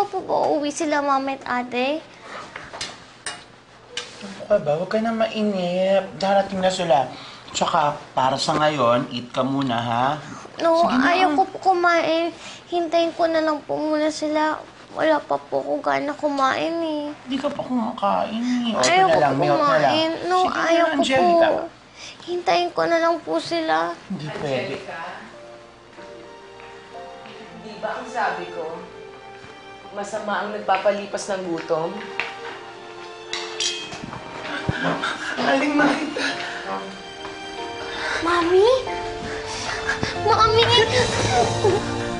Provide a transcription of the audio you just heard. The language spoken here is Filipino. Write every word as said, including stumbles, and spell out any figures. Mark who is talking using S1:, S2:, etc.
S1: naman po ba uuwi sila, mama at ate?
S2: Ano ka ba? Huwag ka na mainip. Darating na sila. Tsaka, para sa ngayon, eat ka muna, ha?
S1: No,
S2: Sige na.
S1: ayaw ko po kumain. Hintayin ko na lang po muna sila. Wala pa po ko gana kumain eh.
S2: Hindi ka pa kumakain, eh. O, ito
S1: Ayaw
S2: na
S1: ko
S2: lang,
S1: po
S2: milk na lang.
S1: kumain. No,
S2: Sige na,
S1: ayaw ko
S2: Angelica.
S1: po. Hintayin ko na lang po sila.
S2: Hindi pwede.
S3: Di ba ang sabi ko, masama ang nagpapalipas ng gutom?
S2: Aling makita.
S1: Mami? Mami?